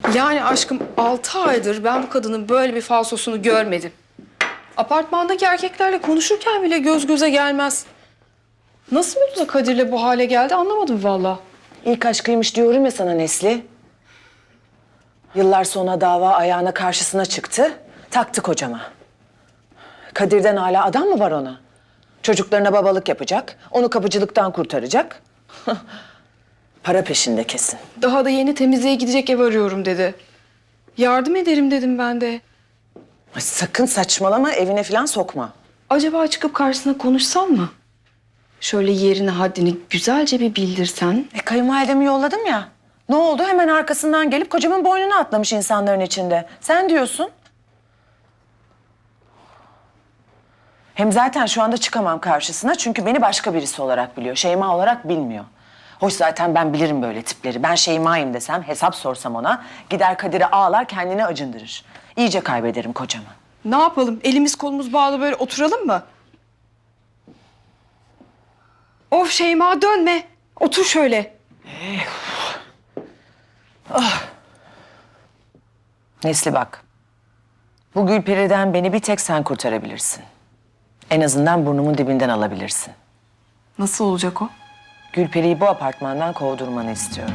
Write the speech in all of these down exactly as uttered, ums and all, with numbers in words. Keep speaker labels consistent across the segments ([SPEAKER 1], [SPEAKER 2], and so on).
[SPEAKER 1] Yani aşkım altı aydır ben bu kadının böyle bir falsosunu görmedim. Apartmandaki erkeklerle konuşurken bile göz göze gelmez. Nasıl oldu da Kadir'le bu hale geldi anlamadım vallahi.
[SPEAKER 2] İlk aşkıymış diyorum ya sana Nesli. Yıllar sonra dava ayağına karşısına çıktı. Taktı kocama. Kadir'den hala adam mı var ona? Çocuklarına babalık yapacak. Onu kapıcılıktan kurtaracak. Para peşinde kesin.
[SPEAKER 1] Daha da yeni temizliğe gidecek ev arıyorum dedi. Yardım ederim dedim ben de.
[SPEAKER 2] Ay sakın saçmalama, evine falan sokma.
[SPEAKER 1] Acaba çıkıp karşısına konuşsam mı? Şöyle yerini haddini güzelce bir bildirsen.
[SPEAKER 2] E kayınvalidemi yolladım ya. Ne oldu? Hemen arkasından gelip kocamın boynuna atlamış insanların içinde. Sen diyorsun. Hem zaten şu anda çıkamam karşısına çünkü beni başka birisi olarak biliyor. Şeyma olarak bilmiyor. Hoş zaten ben bilirim böyle tipleri. Ben Şeyma'yım desem, hesap sorsam ona gider Kadir'e ağlar kendini acındırır. İyice kaybederim kocamı.
[SPEAKER 1] Ne yapalım? Elimiz kolumuz bağlı böyle oturalım mı? Of Şeyma dönme. Otur şöyle.
[SPEAKER 2] Nesli bak. Bu Gülperi'den beni bir tek sen kurtarabilirsin. En azından burnumun dibinden alabilirsin.
[SPEAKER 1] Nasıl olacak o?
[SPEAKER 2] Gülperi'yi bu apartmandan kovdurmanı istiyorum.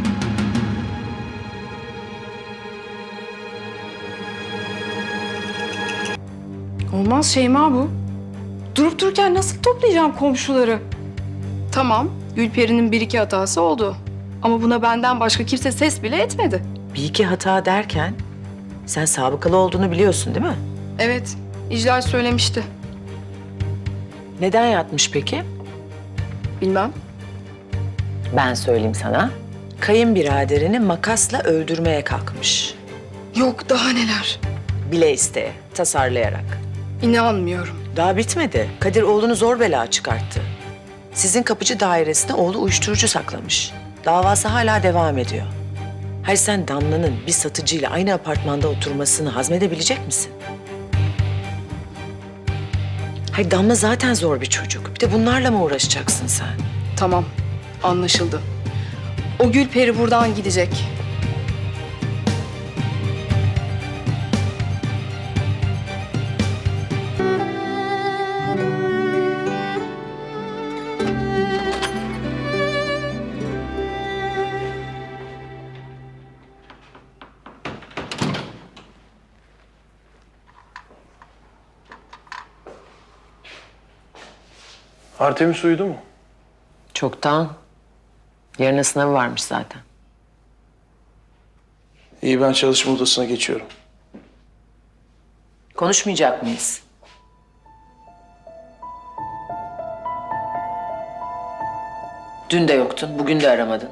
[SPEAKER 1] Olmaz Şeyma bu. Durup dururken nasıl toplayacağım komşuları? Tamam, Gülperi'nin bir iki hatası oldu. Ama buna benden başka kimse ses bile etmedi.
[SPEAKER 2] Bir iki hata derken sen sabıkalı olduğunu biliyorsun değil mi?
[SPEAKER 1] Evet, İclal söylemişti.
[SPEAKER 2] Neden yatmış peki?
[SPEAKER 1] Bilmem.
[SPEAKER 2] Ben söyleyeyim sana. Kayınbiraderini makasla öldürmeye kalkmış.
[SPEAKER 1] Yok daha neler.
[SPEAKER 2] Bile isteye, tasarlayarak.
[SPEAKER 1] İnanmıyorum.
[SPEAKER 2] Daha bitmedi. Kadir oğlunu zor bela çıkarttı. Sizin kapıcı dairesine oğlu uyuşturucu saklamış. Davası hala devam ediyor. Hayır sen Damla'nın bir satıcıyla aynı apartmanda oturmasını hazmedebilecek misin? Hayır Damla zaten zor bir çocuk. Bir de bunlarla mı uğraşacaksın sen?
[SPEAKER 1] Tamam, anlaşıldı. O Gülperi buradan gidecek.
[SPEAKER 3] Artemis uyudu mu?
[SPEAKER 2] Çoktan. Yarına sınavı varmış zaten.
[SPEAKER 3] İyi, ben çalışma odasına geçiyorum.
[SPEAKER 2] Konuşmayacak mıyız? Dün de yoktun, bugün de aramadın.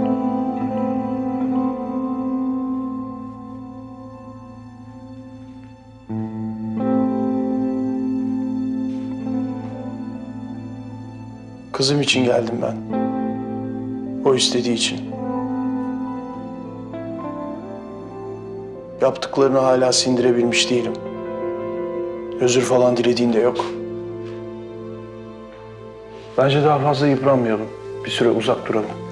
[SPEAKER 3] Kızım için geldim ben. O istediği için. Yaptıklarını hala sindirebilmiş değilim. Özür falan dilediğin de yok. Bence daha fazla yıpranmayalım. Bir süre uzak duralım.